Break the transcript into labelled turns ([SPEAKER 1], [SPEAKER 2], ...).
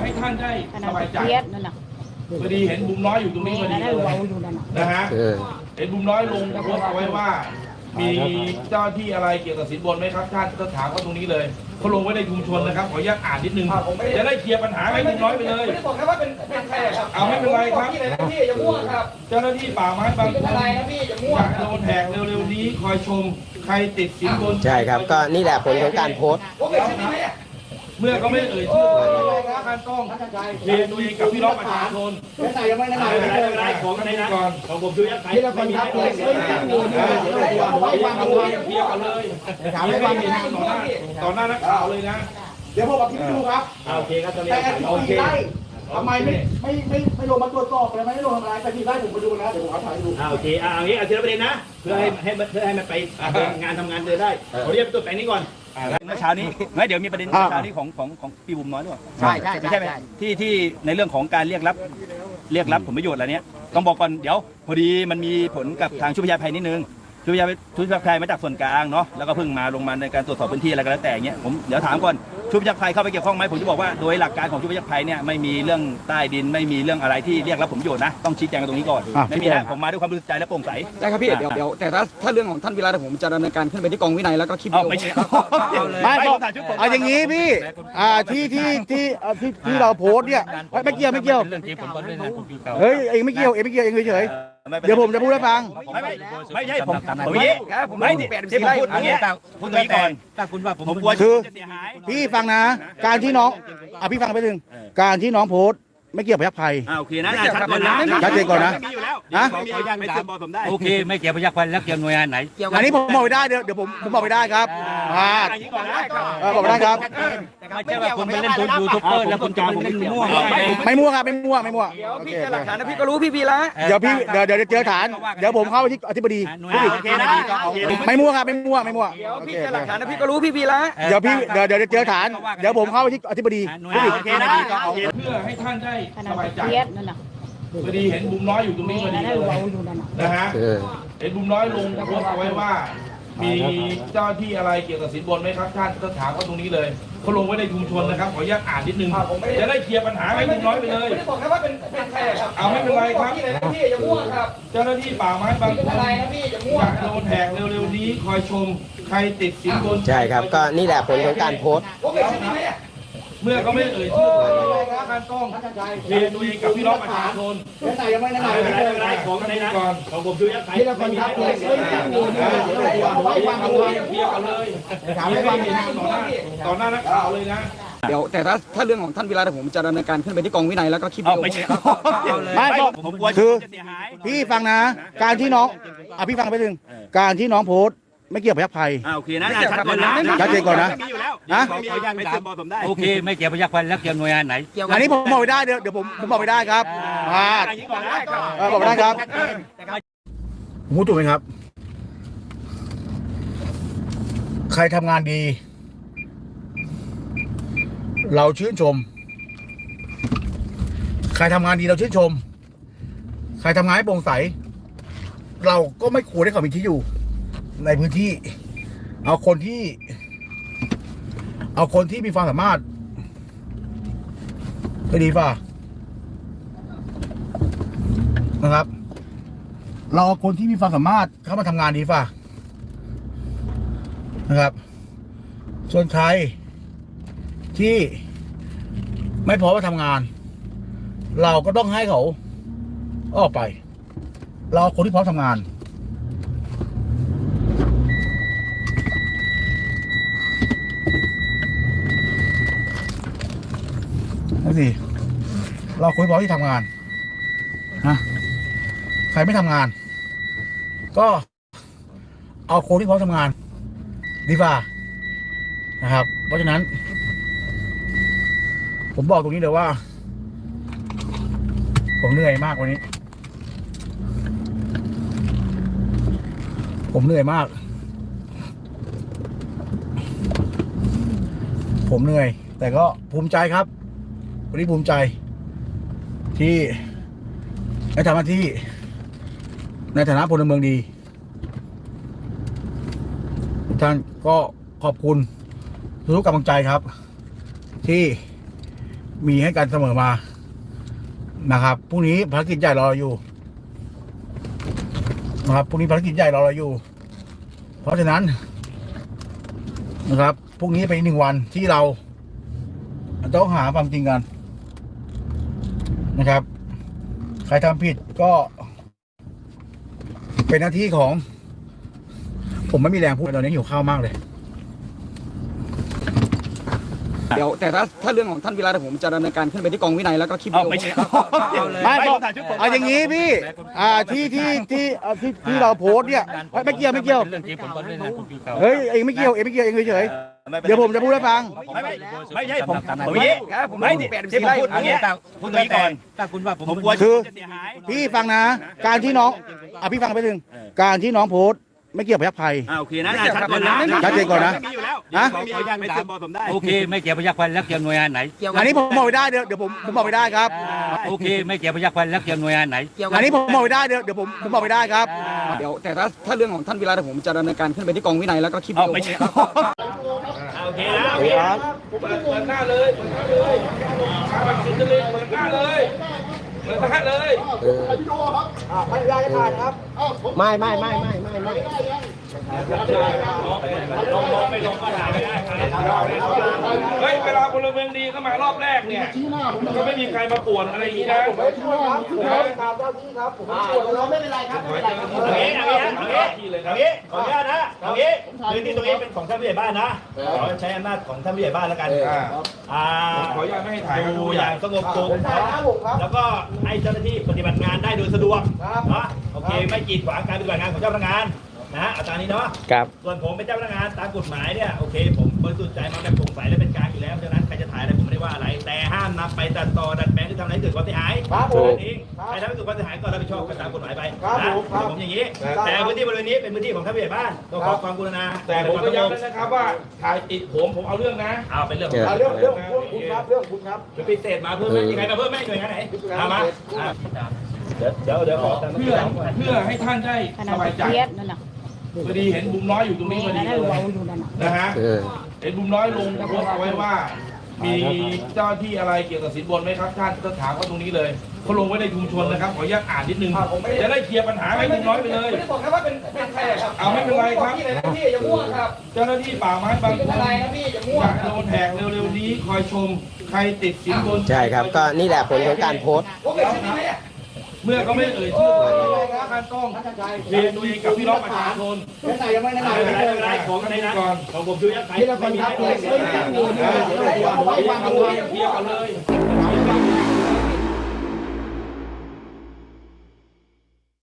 [SPEAKER 1] ให้ท่านได้สบายใจ
[SPEAKER 2] นั่นน่ะ
[SPEAKER 1] พอดีเห็นบุมน้อยอยู่ตรงนี้พอดีเลยนะฮะเห็นบุมน้อยลงโพสต์เอาไว้ว่ามีเจ้าที่อะไรเกี่ยวกับสินบนไหมครับท่านก็ถามเขาตรงนี้เลยเขาลงไว้ในชุมชนนะครับขออนุญาตอ่านนิดนึงจะได้เคลียร์ปัญหาให้บุมน้อยไปเลย
[SPEAKER 3] ไม่ได้บอกแค่ว่าเป็นใครครับ
[SPEAKER 1] เอาไม่เป็นไรครับ
[SPEAKER 3] พี่อย่ามั่วครับ
[SPEAKER 1] เจ้าหน้าที่ป่าไม้บางคน
[SPEAKER 3] อะไรนะพี่อย่ามั่ว
[SPEAKER 1] โดนแหกเร็วๆนี้คอยชมใครติดสินบน
[SPEAKER 4] ใช่ครับก็นี่แหละผลของการโพสต์
[SPEAKER 1] เมื่อเขาไม่เอ่ยชื่อท่านต้องเรียนตัวเองกับพี่น้องประชาชน
[SPEAKER 3] ไม่ได้
[SPEAKER 1] ของในนั้นก่อนของผมดูยักษ์ไข่ไม่มีตัวเคลียร์กันเลยถามให้ฟังต่อหน้านักข่าวเลยนะ
[SPEAKER 3] เดี๋ยวผมเอาคลิปดูครับ
[SPEAKER 1] โอเคครับ
[SPEAKER 3] แต่โอเคทำไมไม่ลงมาตรวจสอบเลยไม่ลงทำอะไรแต่ที่ได้ผมไปดูนะเดี๋ยวผมเอาถ่ายดู
[SPEAKER 1] โอเคเอางี้เอาทีละประเด็นนะเพื่อให้มันไปงานทำงานเดินได้ขอเรียกตัวแปลงนี้ก่อนเมื่อเช้านี้ไม่เดี๋ยวมีประเด็นเมื่อเช้านี้ของพี่บุ๋มน้อยด้วย
[SPEAKER 4] ใช่
[SPEAKER 1] ไหมที่ในเรื่องของการเรียกรับผลประโยชน์อะไรเนี้ยต้องบอกก่อนเดี๋ยวพอดีมันมีผลกับทางชุดพยาภัยนิดนึงชุดพยาภัยมาจากส่วนกลางเนาะแล้วก็เพิ่งมาลงมาในการตรวจสอบพื้นที่อะไรก็แล้วแต่เงี้ยผมเดี๋ยวถามก่อนชุดพยาภัยเข้าไปเกี่ยวข้องไหมผมจะบอกว่าโดยหลักการของชุดพยาภัยเนี่ยไม่มีเรื่องใต้ดินไม่มีเรื่องอะไรที่เรียกรับผลประโยชน์นะต้องชี้แจงกันตรงนี้ก่อนไม่มีนะผมมาด้วยความบริสุทธิ์ใจและโปร่งใส
[SPEAKER 5] ได้ครับพี่เดี๋ยวแต่ถ้าเรื่องของท่านวิระผมจะดำเนินการขึ้นไปที่กองวินัยแล้วก็คลิปวิดีโอ
[SPEAKER 1] ไม่ใช่
[SPEAKER 4] เอาอย่างนี้พี่ที่เราโพสเนี่ยไม่เกี่ยวเฮ้ยเองไม่เกี่ยวเองเฉยเดี๋ยวผมจะพูดให้ฟัง
[SPEAKER 1] ไม่ใช่ผมไม่ที่ผมพูดอย่างเงี้ยพูดตรงนี้ก่อนถ้าคุณว่าผมกลัว
[SPEAKER 4] คือพี่ฟังนะการที่น้องพี่ฟังไปหนึ่งการที่น้องโพสไม่เกี่ยวกับพยัคฆ์ไพ
[SPEAKER 1] โอเคนะ
[SPEAKER 4] ชัดเจนก่อนนะ
[SPEAKER 1] โอเคไม่เกี่ยวกับพยัคฆ์ไพแล้วเกี่ยวหน่วยงานไหน
[SPEAKER 4] อันนี้ผมบอกไม่ได้เดี๋ยวผมบอกไม่ได้ครับบอกไม่ได้ครับ
[SPEAKER 1] ไม่ใช่ว่าคุณไปเล่นยูทูบเบอร์แล้วคุณจะเล่นมั่ว
[SPEAKER 4] ไม่มั่วครับไม่มั่ว
[SPEAKER 5] พี่เจอหลักฐานนะพี่ก็รู้พี่ละ
[SPEAKER 4] เดี๋ยวเจอฐานเดี๋ยวผมเข้าไปที่อธิบดีไม่มั่วครับไม่มั่ว
[SPEAKER 5] พี่เจอหลักฐานนะพี่ก็รู้พี่ละ
[SPEAKER 4] เดี๋ยวเจอฐานเดี๋ยวผมเข้าไปที่อธิบดี
[SPEAKER 1] เพื่อให้ท่านได้สบายใจ
[SPEAKER 2] นั่นน่ะ
[SPEAKER 1] พอดีเห็นบุมน้อยอยู่ตรงนี้พอดีเลยนะฮะเห็นบุมน้อยลงโพสต์เอาไว้ว่ามีเจ้าที่อะไรเกี่ยวกับสินบนไหมครับท่านก็ถามเขาตรงนี้เลยเขาลงไว้ในชุมชนนะครับขออนุญาตอ่านนิดนึงจะได้เคลียร์ปัญหาให้บุมน้อยไปเลย
[SPEAKER 3] ไม่ได้บอกแค่ว่าเป็นใครครับ
[SPEAKER 1] เอาไม่เป็นไรครับ
[SPEAKER 3] พี่อย่ามั่วครับ
[SPEAKER 1] เจ้าหน้าที่ป่าไม้บางคน
[SPEAKER 3] อะไรนะพี่อย่ามั่ว
[SPEAKER 1] โดนแหกเร็วๆนี้คอยชมใครติดสินบน
[SPEAKER 4] ใช่ครับก็นี่แหละผลของการโพสต์
[SPEAKER 1] เมื่อเขาไม่เอ่ยชื่อท่านต้องเรียนตัวเองกับพี่น้องประชาชน
[SPEAKER 3] ไม่ได้
[SPEAKER 1] ของในนั้นก่อนของผมดูยักษ์ไข่ไม่มีตัวเคลียร์กันเลยถามให้ฟังต่อหน้านักข่าวเลยนะ
[SPEAKER 5] เดี๋ยวแต่ถ้าเรื่องของท่านวิระผมจะดำเนินการขึ้นไปที่กองวินัยแล้วก็คลิปวิดีโอ
[SPEAKER 4] ไม่คือพี่ฟังนะการที่น้องพี่ฟังไปหนึ่งการที่น้องโพสไม่เกี่ยวกับพยัคฆ์ไพ
[SPEAKER 1] โอเคนะ
[SPEAKER 4] ชัดเจนก่อนนะ
[SPEAKER 1] โอเคไม่เกี่ยวกับพยัคฆ์ไพแล้วเกี่ยวหน่วยงานไหน
[SPEAKER 4] อันนี้ผมบอกไม่ได้เดี๋ยวผมบอกไม่ได้ครับบอกไม่ได้ครับผมพูดถูกไหมครับใครทำงานดีเราชื่นชมใครทำงานดีเราชื่นชมใครทำงานให้โปร่งใสเราก็ไม่ควรให้เขามีที่อยู่ในพื้นที่เอาคนที่มีความสามารถก็ดีป่ะนะครับเราเอาคนที่มีความสามารถเข้ามาทำงานดีป่ะนะครับส่วนใครที่ไม่พร้อมมาทำงานเราก็ต้องให้เขาออกไปเราเอาคนที่พร้อมทำงานนั่นสิเราคุยพร้อมที่ทำงานนะใครไม่ทำงานก็เอาคนที่พร้อมทำงานดีกว่านะครับเพราะฉะนั้นผมบอกตรงนี้เลยว่าผมเหนื่อยมากวันนี้ผมเหนื่อยมากผมเหนื่อยแต่ก็ภูมิใจครับวันนี้ภูมิใจที่ได้ทำหน้าที่ในฐานะพลเมืองดีท่านก็ขอบคุณทุกกำลังใจครับที่มีให้กันเสมอมานะครับพรุ่งนี้ภารกิจใหญ่รอเราอยู่นะครับพรุ่งนี้ภารกิจใหญ่รอเราอยู่ เพราะฉะนั้นนะครับพรุ่งนี้เป็นอีก1 วันที่เราต้องหาความจริงกันนะครับใครทำผิดก็เป็นหน้าที่ของผมไม่มีแรงพูดตอนนี้หิวข้าวมากเลย
[SPEAKER 5] เดี๋ยวแต่ถ้าเรื่องของท่านวิระเดี๋ยวผมจะดำเนินการขึ้นไปที่กองวินัยแล้วก็คลิปวิดีโอ
[SPEAKER 1] ไม่ใช่
[SPEAKER 4] ไม่เอาอย่างนี้พี่ที่เราโพสต์เนี่ยไม่เกี่ยวเฮ้ยเองไม่เกี่ยวเองเฉยๆเดี๋ยวผมจะพูดให้ฟัง
[SPEAKER 1] ไม่ใช่ผมอย่างนี้ไม่ที่ผมพูดอย่างนี้พูดตรงนี้ก่อนถ้าคุณว่าผมกลัว
[SPEAKER 4] คือ
[SPEAKER 1] จะเสียหาย
[SPEAKER 4] พี่ฟังนะ การที่น้องพี่ฟังไปหนึ่งการที่น้องโพสต์ไม่เกี่ยวกับพยัคฆ์ไทย
[SPEAKER 1] โอเคนะชัดเจนนะ
[SPEAKER 4] ชัดเจนก่อนนะ
[SPEAKER 1] มีอยู่แล้ว
[SPEAKER 4] นะ
[SPEAKER 1] ไม่เชื่อบอกผมได้
[SPEAKER 2] โอเคไม่เกี่ยวพยัคฆ์พันแล้วเกี่ยวหน่วยงานไหน
[SPEAKER 4] อันนี้ผมบอกไม่ได้เดี๋ยวผมบอกไม่ได้ครับ
[SPEAKER 2] โอเคไม่เกี่ยวพยัคฆ์พันแล้วเกี่ยวหน่วยงานไหน
[SPEAKER 4] อันนี้ผมบอกไม่ได้เดี๋ยวผมบอกไม่ได้ครับ
[SPEAKER 5] เดี๋ยวแต่ถ้าเรื่องของท่านวิระเดี๋ยวผมจะดำเนินการขึ้นไปที่กองวินัยแล้วก็คลิปวิดีโอ
[SPEAKER 1] ไม่ใช่โอเคนะโอเค
[SPEAKER 6] เปิดหน้าเลยเปิดหน้าเลยสุดเลยเปิดหน้าเลยเปิดหน้าเลย เฮ้ยเวลาพลเมืองดีเข้ามารอบแรกเนี่ยก็ไม่มีใครมาป่วนอะไรอย่างนี้นะ
[SPEAKER 1] เอางี้ขออนุญาตนะเอางี้พื้นที่ตรงนี้เป็นของท่านผู้ใหญ่บ้านนะขอใช้อำนาจของท่านผู้ใหญ่บ้านแล้วกัน
[SPEAKER 6] ขออนุญาตไม่ให้ถ่าย
[SPEAKER 1] ดูอย่างสงบสุขแล้วก็ให้เจ้าหน้าที่ปฏิบัติงานได้โดยสะดวกเนาะโอเคไม่กีดขวางการปฏิบัติงานของเจ้าพนักงานนะอาจารย์นี้เนาะส่วนผมเป็นเจ้าพนักงานตามกฎหมายเนี่ยโอเคผมบริสุทธิ์ใจมาแบบโปร่งใสและเป็นกลางอยู่แล้วดังนั้นใครจะถ่ายอะไรผมไม่ได้ว่าอะไรแต่ห้ามนำไปตัดต่อดัดแปลงหรือทำอะไรให้เกิดความเสียหายเองใครทำให้เกิดความเสียหายก็รับผิดชอบกันตามกฎหมายไปนะผมอย่างนี้แต่พื้นที่บริเวณนี้เป็นพื้นที่ของท่านผู้ใหญ่บ้านต้องขอความกรุณา
[SPEAKER 6] แต่ผมก็ย้ำนะครับว่าถ่ายติดผมเอาเรื่องนะ
[SPEAKER 1] เอาเป็นเรื่องของ
[SPEAKER 3] เรื่องคุณครับ
[SPEAKER 1] จะพิเศษมาเพิ่มไหมยังไงมาเพิ่มไหมหน่วยงานไหนมาเดี๋ยวขอ
[SPEAKER 6] เพื่อให้ท่านได้สบายใจพอดีเห็นบุมน้อยอยู่ตรงนี้พอดีเลยนะฮะเห็นบุมน้อยลงโพสต์เอาไว้ว่า มีเจ้าหน้าที่อะไรเกี่ยวกับสินบนไหมครับท่านก็ถามเขาตรงนี้เลยเขาลงไว้ในชุมชนนะครับขออนุญาตอ่านนิดนึงจะได้เคลียร์ปัญหาให้บุมน้อยไปเลย
[SPEAKER 3] ไม่ได้บอกแค่ว่าเป็นใครครับ
[SPEAKER 6] เอาไม่เป็นไรครับ
[SPEAKER 3] พี่เลยนะพี่อย่ามั่วครับ
[SPEAKER 6] เจ้าหน้าที่ป่าไม้บางคน
[SPEAKER 3] อะไรนะพี่อย่ามั่ว
[SPEAKER 6] อยากโดนแหกเร็วๆนี้คอยชมใครติดสินบน
[SPEAKER 7] ใช่ครับก็นี่แหละผลของการโพสต์
[SPEAKER 3] ผมเกิดชื่อนี้ไหมเนี่ย
[SPEAKER 6] เมื่อเขาไม่เอ่ยชื่อท่านต้องเรียนตัวเองกับพี่น้องประชาชน
[SPEAKER 3] ไหนยังไม่ไหน
[SPEAKER 1] ไม่เป็นไรของในนะของผมดูยังไง
[SPEAKER 3] ทีละคนครับ
[SPEAKER 6] เคลียร์กันเลย